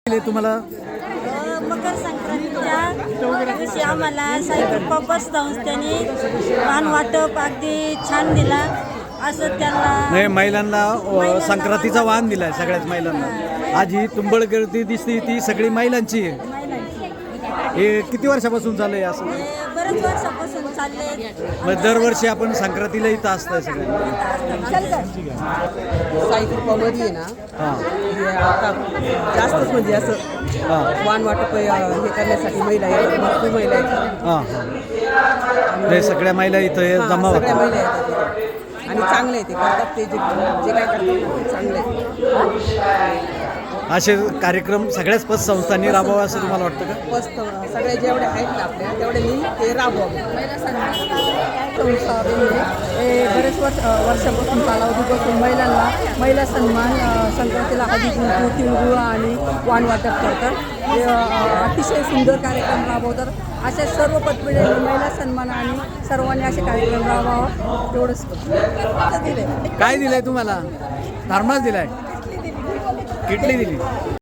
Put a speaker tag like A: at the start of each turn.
A: तुम्हाला
B: मकर संक्रांतीच्या दिवशी आम्हाला साई पप्पा संस्थेने वाहन वाटप अगदी छान दिला असं त्यांना
A: महिलांना संक्रांतीचा वाहन दिलाय सगळ्याच महिलांना। आज ही तुंबळ गर्दी दिसते ती सगळी महिलांची आहे। हे किती वर्षापासून चालू आहे असं?
B: बरेच वर्षापासून चालले।
A: मग दरवर्षी आपण संक्रांतीला इथं असतंय सगळ्यांना।
C: साई कृपामध्ये आहे ना, हे आता जास्तच म्हणजे असं वाण वाटप हे करण्यासाठी महिला आहेत, भरपूर महिला आहेत।
A: ते सगळ्या महिला इथं जमा
C: सगळ्या
A: होतात
C: महिला आहेत आणि चांगले आहे ते करतात, ते जे काय करतात ना, ते चांगले आहे।
A: असे कार्यक्रम सगळ्याच पतसंस्थांनी राबवावे असं तुम्हाला वाटतं का?
C: मस्त सगळे जेवढे आहेत ना आपल्या तेवढ्यांनी ते राबवावे।
D: बरेच वर्षापासून कालावधीपासून महिला सन्मान संक्रांतीला हळदी कुंकू तिळगुळ आणि वाण वाटप करतात। ते अतिशय सुंदर कार्यक्रम राबवतात। अशा सर्व पतपिढ्यांनी महिला सन्मान आणि सर्वांनी असे कार्यक्रम राबवावा तेवढंच दिले।
A: काय दिलंय तुम्हाला? धर्माच दिलाय, किटली दिली।